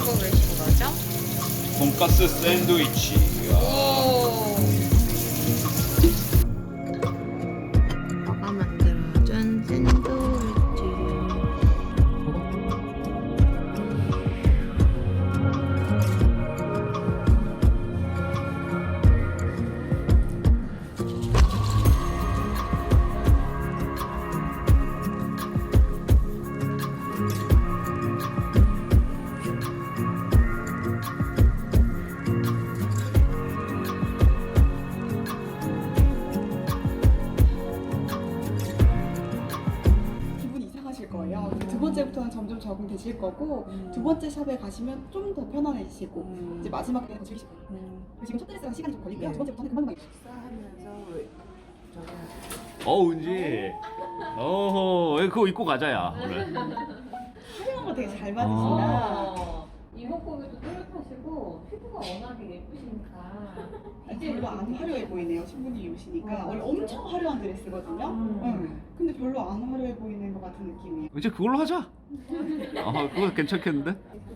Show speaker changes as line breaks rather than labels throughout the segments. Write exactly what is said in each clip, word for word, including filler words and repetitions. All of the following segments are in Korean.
하고 계신 거죠?
돈가스 샌드위치.
오. 아가 만들어준 샌드위치.
기분이 이상하실 거예요. 두 번째부터는 점점 적응되실 거고
음.
두 번째 샵에 가시면 좀 더 편안해지시고
음.
이제 마지막 때는 더 즐기실 거예요.
음.
지금 첫 드레스랑 시간이 좀 걸리고요.
네.
두 번째부터는 금방금방
식사하면서 왜 저기
어 은지. 어허 그거 입고 가자야. 그래.
촬영한 거 되게 잘
아.
맞으시나.
어, 이목구비도 뚜렷하시고 피부가 워낙에 예쁘시니까
아니, 별로 안 화려해 보이네요. 신부님이 오시니까.
어.
원래 엄청 화려한 드레스거든요.
음.
응. 근데 별로 안 화려해 보이는 것 같은 느낌이에요.
이제 그걸로 하자. 아 그거 괜찮겠는데?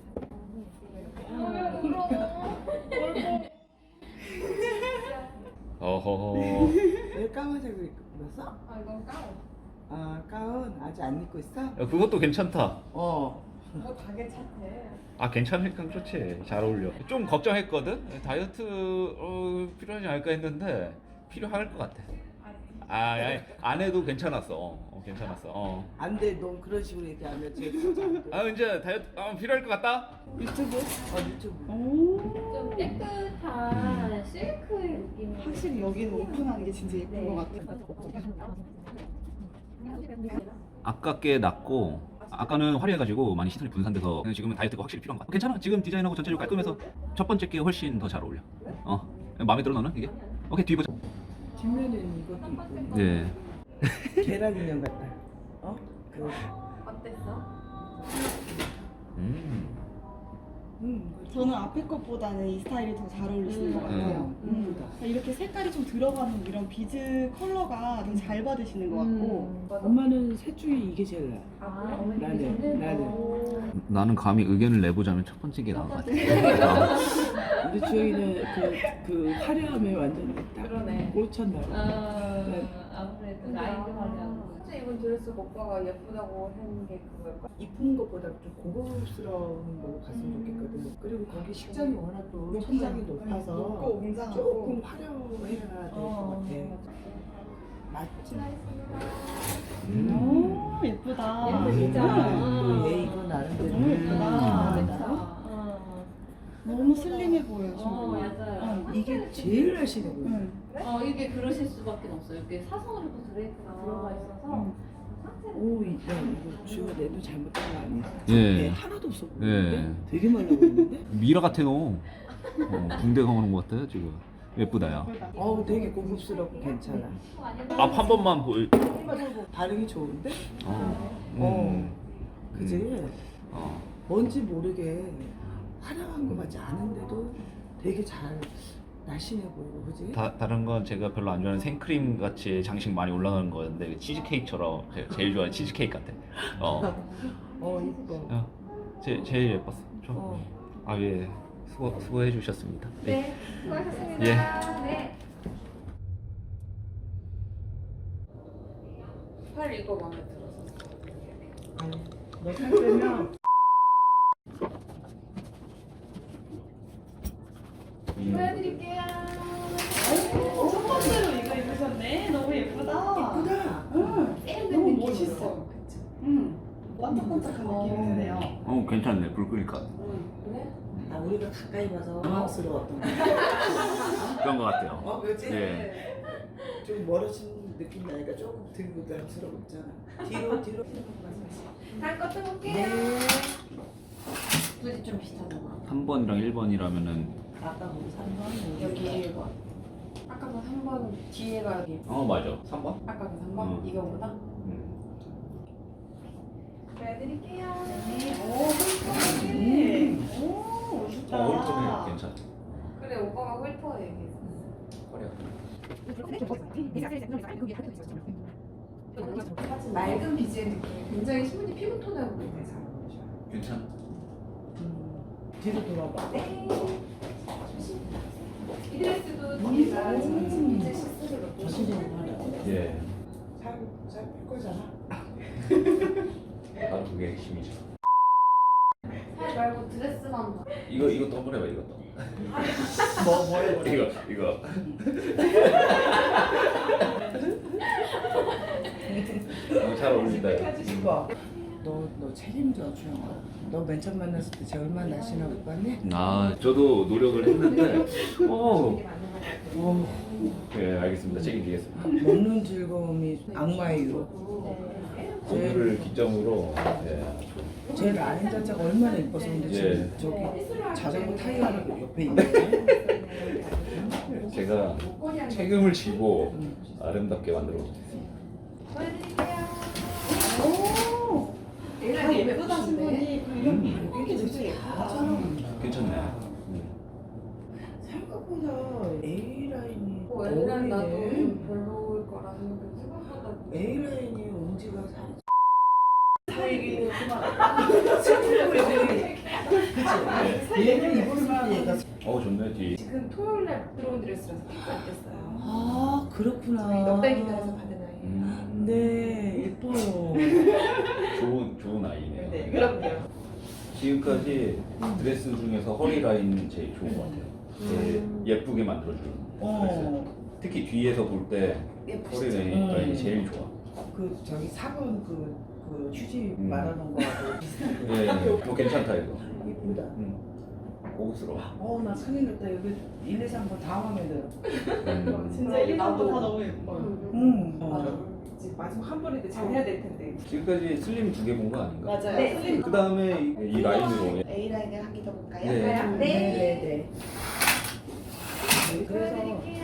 어허.
왜 까만색을 입고 입었어?
아 이건 까워.
아 가운 아직 안 입고 있어?
야, 그것도 괜찮다.
어.
뭐 다 괜찮대.
아 괜찮으니까 좋지. 잘 어울려. 좀 걱정했거든. 다이어트 어, 필요하지 않을까 했는데 필요할 것 같아. 아 아니, 안 해도 괜찮았어. 어, 어, 괜찮았어. 어.
안돼 넌 그런 식으로 얘기하면 제 진짜 안 돼.
아 이제 다이어트 아, 필요할 것 같다.
유튜브?
어 유튜브.
오.
좀 깨끗한 실크의 느낌.
확실히 여기는 오픈하는 게 진짜 예쁜
네.
것 같아요.
아깝게 낮고 아까는 화려해가지고 많이 시선이 분산돼서 지금은 다이어트가 확실히 필요한 것 같아. 괜찮아. 지금 디자인하고 전체적으로 깔끔해서 첫 번째 게 훨씬 더 잘 어울려. 어 마음에 들어 너는 이게? 오케이 뒤 보자.
뒷면에는 이것도 있고.
네.
계란 인형 같다. 어? 그.
어땠어?
음.
음.
저는 앞에 것보다는 이 스타일이 더 잘 어울리시는 것 같아요.
음.
음. 이렇게 색깔이 좀 들어가는 이런 비즈 컬러가 더 잘 받으시는 것 같고.
엄마는 셋 중에 이게 제일 나아.
아, 어머니
나는,
괜찮네.
나는.
어.
나는 감히 의견을 내보자면 첫 번째 게 나은 것 같아.
우리 주영이는 그, 그 화려함에 완전 딱
그러네.
꽂혔나 봐.
아,
네.
아무래도 나이도 하냐고.
진짜 이번 드레스 오빠가 예쁘다고 하는 게 그거일까?
이쁜 것보다 좀 고급스러운 걸로 갔으면 좋겠거든. 그리고 거기 식장이 워낙 또 천장이 높아서
높고 웅장하고.
조금 화려해야 될 것
어,
같아. 맞지?
음.
오 예쁘다.
예쁘시죠?
음. 얘 이거 나름대로
너무 예쁘다.
음.
그쵸? 어.
너무 슬림해 보여요.
어,
지금.
맞아요.
응.
이게 제일 날씬해 보여.
응.
어, 이게 그러실 수밖에 없어요. 이게 사선으로 또 드레이크가 들어가 있어서
응.
상체는
오, 이- 야, 이거 주가 내도 잘못한 거 아니야?
예.
얘 하나도 없어 보이는데?
예.
되게 말라 보이는데?
미라 같아 너. 어, 군대 가는 것 같아 지금. 예쁘다야.
예쁘다.
어우, 되게 고급스럽고 괜찮아.
앞 한 번만 보여.
반응이 좋은데?
어.
어.
음.
그지?
음. 어.
뭔지 모르게 화려한 거 같지 않은데도 되게 잘 날씬해 보이고, 그지?
다, 다른 건 제가 별로 안 좋아하는 생크림 같이 장식 많이 올라가는 거였는데 치즈 케이크처럼 제가 제일 좋아하는 치즈 케이크 같아. 어.
어, 이뻐.
어. 제 제일 예뻤어. 좀.
어.
아 예. 수고 수고해 주셨습니다.
네, 수고하셨습니다.
예.
네.
팔 이거 마음에 들었어.
너살 빼면
보여드릴게요.
오, 첫 번째로 이거 입으셨네. 너무 예쁘다.
예쁘다.
응.
세련된
너무
느낌으로.
멋있어.
그쵸?
응. 반짝반짝한 느낌이 드네요.
어 괜찮네. 불 끄니까
그래?
아, 우리가 가까이 봐서 당황스러웠던 거.
그런 것 같아요.
어, 그렇지?
예.
좀 멀어진 느낌 나니까 조금 덜 부담스러웠잖아. 뒤로, 뒤로.
다음 거 떠볼게요.
네.
굳이 좀 비슷하잖아.
삼 번이랑 일 번이라면은
아까 우리 삼 번
여기 일 번. 아까 그 삼 번 뒤에가 여기.
어 맞아. 삼 번?
아까 그 삼 번?
음.
이거보다?
음.
보여드릴게요.
오, 훌륭하네. 오, 멋있다.
어 오른쪽이 괜찮아.
그래 오빠가 홀터 얘기했어.
허리야.
맑은 비즈의 느낌이 굉장히 신부님 피부톤하고 굉장히 잘 어울리셔.
괜찮아.
음. 뒤로 돌아봐.
이 드레스도 뒤에가
음.
이제 시스를 넣고
전체적으로 하라.
예.
살살뺄 거잖아.
바로 그게 핵심이죠.
살 말고 드레스만 봐.
이거 이것도 한번 해봐 이것도.
뭐 뭐해 뭐.
이거 이거. 어, 잘 어울린다.
이거. 너너 책임져 주영아. 너 맨 처음 만났을 때 쟤 얼마나 날씬하고 봤니?
아 저도 노력을 했는데. 어. 어. 네 알겠습니다. 책임지겠습니다.
먹는 즐거움이 악마의 유혹.
오늘을 기점으로. 예.
제 라인 자체가 얼마나 이뻐서 근데
예.
지금 저기 자전거 타이어가 옆에 있는데.
제가 책임을 지고 아름답게 만들어 놓겠습니다.
오.
얘가 예쁘다
신분이
음.
이렇게 되게 예쁘다.
괜찮네. 음.
생각보다 A 라인이
뭐 L은 나도
어울리네.
좀 별로일 거라 생각했는데 생각보다
A 라인이 엄지가 살이.
얘기는 그만.
그치? 얘는 입었을 때 얘가.
어 좋네 뒤.
지금 토요일 날 들어온 드레스라서 택도 안 됐어요.
아 그렇구나.
저희 넉달 기간에서 받은 아이.
음.
네 예뻐요.
좋은 좋은 아이네요.
네, 그럼요.
지금까지 드레스 중에서 허리 라인 제일 좋은 것 같아요. 제일 예쁘게 만들어주는 드레스.
어.
특히 뒤에서 볼 때 허리 라인,
음.
라인이 제일 좋아.
그 저기 사 번 그, 그 휴지
음.
말하는 거하고 비슷하게.
예, 어, 괜찮다 이거.
예쁘다.
음. 고급스러워.
어나 큰일 났다. 여기 일, 이, 삼 번 다 마음에 들어.
음.
진짜 일, 나도 다 너무 예뻐.
응.
맞아.
어.
이제 마지막 한 번인데 잘해야 될 텐데.
지금까지 슬림 두 개 본 거 아닌가?
맞아요.
네.
슬림.
그 다음에 이, 이 라인으로.
A 라인을 한 개 더 볼까요?
네.
네.
네네네. 그래서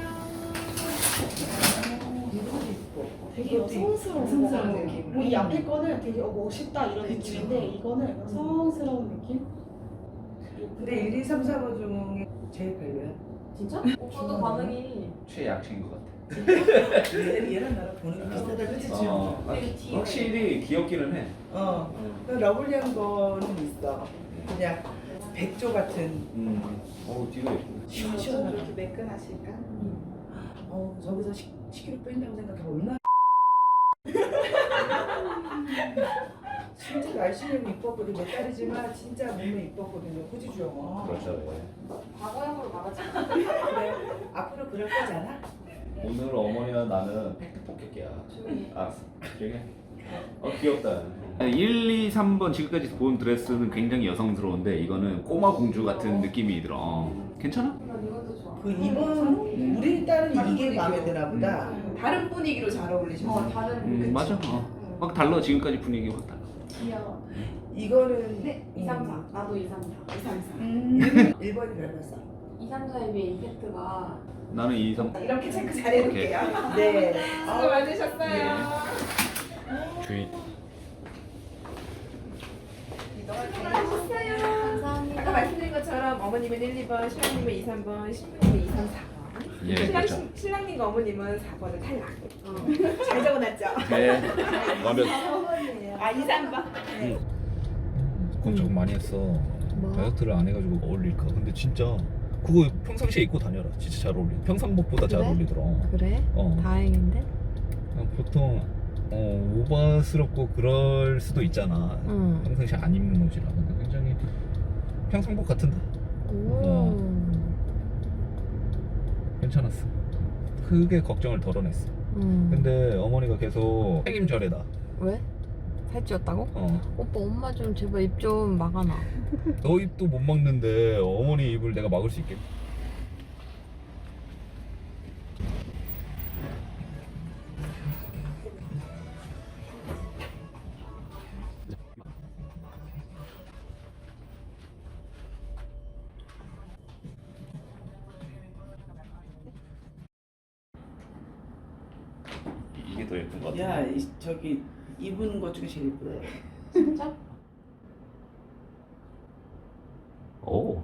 이것도 이뻐.
되게
이것도 이뻐.
여성스러운
여성스러운
거.
느낌.
뭐이 앞에 거는 되게 어, 멋있다 이런
그쵸.
느낌인데 이거는 여성스러운 느낌?
근데 일, 이, 삼, 사 번 중에 제일 별로야.
진짜? 오빠도 반응이
최약체인 것 같아.
얘- 얘랑 나랑 보는 게 비슷하다 그치 지금?
어, 아,
되게 뒤에
확실히 귀엽기는 해.
어. 그 러블리한 거는 있어. 그냥 백조 같은.
음. 어 뒤가 예쁘네.
시원시원하다.
이렇게 매끈하실까?
어, 저기서 십 킬로그램 뺀다고 생각하면 얼마나 진짜 날씬하고 이뻤거든. 몇 달이지만 진짜 몸에 이뻤거든요. 그지 주영아?
그렇죠. 예.
과거형으로 말하지.
그래. 앞으로 그럴 거잖아.
오늘 어머니와 나는 팩트 폭격이야.
조용히.
알았어. 조용히 해. 어 귀엽다. 일, 이, 삼 번 지금까지 본 드레스는 굉장히 여성스러운데 이거는 꼬마 공주 같은 느낌이 들어. 어, 괜찮아?
난 이것도 좋아.
그 이번 우리 딸은 이게 마음에 드나 보다.
다른 분위기로 잘 어울리셔서. 어, 다른.
음,
그치?
맞아. 어. 막 달라. 지금까지 분위기 확 달라.
귀여워.
이거는
네, 이, 삼, 사. 나도 이, 삼, 사. 이, 삼, 사.
음, 일 번이 닮았어.
이, 삼, 사에 비해 임팩트가
나는 이, 삼.
이렇게 체크 잘 해놓을게요.
네.
수고 많으셨어요.
주의.
감사합니다. 아까 말씀드린 것처럼 어머님은 일, 이 번, 신랑님은 이, 삼 번, 신부님은 이, 삼, 사 번.
예,
신랑,
그렇죠.
신- 신랑님과 어머님은 사 번을 탈락.
잘 적어놨죠?
네. 완벽.
아, 이, 삼 번.
걱정 많이 했어. 다이어트를 안 해가지고 어울릴까. 근데 진짜 그거 평상시에 입고 다녀라. 진짜 잘 어울려. 평상복보다 잘
그래?
어울리더라.
그래?
어.
다행인데?
그냥 보통 어, 오버스럽고 그럴 수도 있잖아.
응.
평상시 안 입는 옷이라. 근데 굉장히 평상복 같은데.
오.
어. 괜찮았어. 크게 걱정을 덜어냈어.
응.
근데 어머니가 계속 책임져래다.
왜? 살찌웠다고?
어.
오빠 엄마 좀 제발 입 좀 막아놔.
너 입도 못 막는데 어머니 입을 내가 막을 수 있겠니? 이게 더 예쁜 것 같아.
야, 이, 저기 입은 것 중에 제일 예쁘다.
진짜?
오.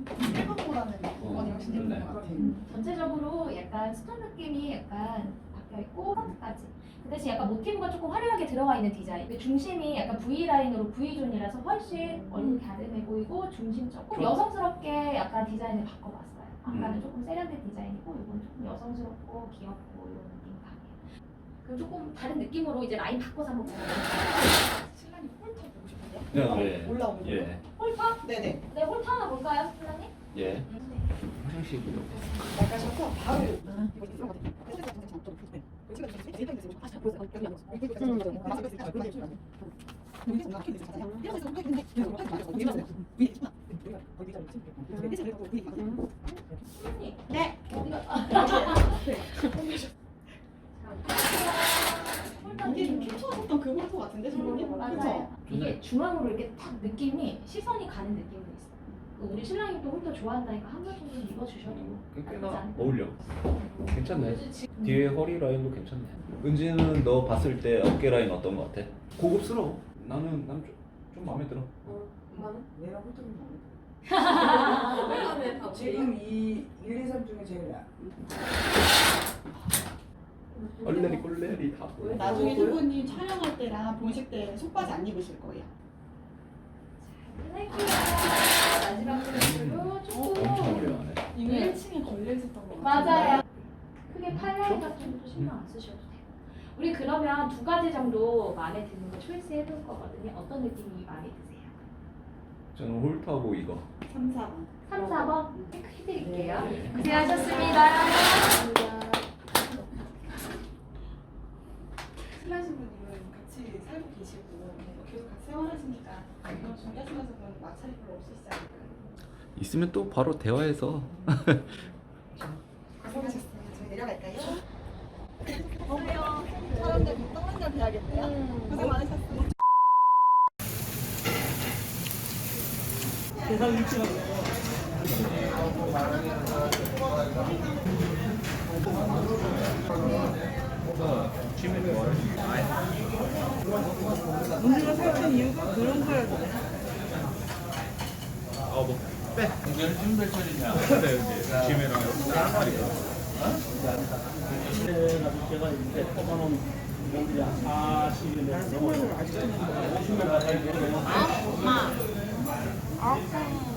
일본보다는 이번이 훨씬 예쁜 것 같아요.
전체적으로 약간 스톤 느낌이 약간 바뀌어 있고 까지. 그 대신 약간 모티브가 조금 화려하게 들어가 있는 디자인. 근데 중심이 약간 V 라인으로 V존이라서 훨씬 얼굴이 갸름해 보이고 중심적으로
좋아.
여성스럽게 약간 디자인을 바꿔봤어요. 아까는
음.
조금 세련된 디자인이고 이건 조금 여성스럽고 귀엽고 이런 느낌 강해요. 그럼 조금 다른 느낌으로 이제 라인 바꿔서 한번 볼까요?
신랑이 홀터 보고 싶은데요?
예.
올라오는 거.
예.
홀터?
네네.
네, 홀터 하나 볼까요, 신랑님?
예. 화장실.
약간 셔터 바로. 네. 이게 좀 캡처했던 그 홀터 같은데 선생님?
맞아요.
그쵸?
이게 중앙으로 이렇게 딱 느낌이 시선이 가는 느낌도 있어요. 그 우리 신랑이 또 홀터 좋아한다니까 한 번 정도 입어주셔도 나쁘지
꽤나
않아요.
어울려. 괜찮네.
지금
뒤에 허리 라인도 괜찮네. 은지는 너 봤을 때 어깨 라인 어떤 거 같아? 고급스러워. 나는 난 좀 좀 마음에 들어.
이거는?
내가 홀통이 마음에
이거는
들어.
다
지금 이 일, 이, 삼 중에 제일 나아.
얼레리 꼴레리 다 보여.
나중에 신부님 촬영할 때랑 본식 때 속바지 안 입으실 거예요.
할게요. 마지막 포인트로 조금
엄청 화려하네.
이거
네.
일 층에 걸려 있었던 거
맞아요. 크게 팔라인 같은 것도 신경 안 쓰셔도 돼요. 우리 그러면 두 가지 정도 마음에 드는 거 초이스 해볼 거거든요. 어떤 느낌이 마음에 드세요?
저는 홀터하고 이거.
삼, 사 번.
삼, 사 번 체크해드릴게요.
네.
고생하셨습니다.
신랑 신부님은 같이 살고 계시고 계속 같이 생활하시니까 이런 준비하시면서 그런 마찰이 별로 없으시지 않을까요?
있으면 또 바로 대화해서.
고생하셨어요. 저희 내려갈까요? 어머요. 사람들 떠난 날 돼야겠네요. 고생 많으셨어요. 대상 위치가
문제가 살던 이유가 그런 거야.
어뭐 빼.
제가 이제 뽑아놓은 분들이 한 사십이 넘어요. 오십 명 가까이 되네요.
엄마.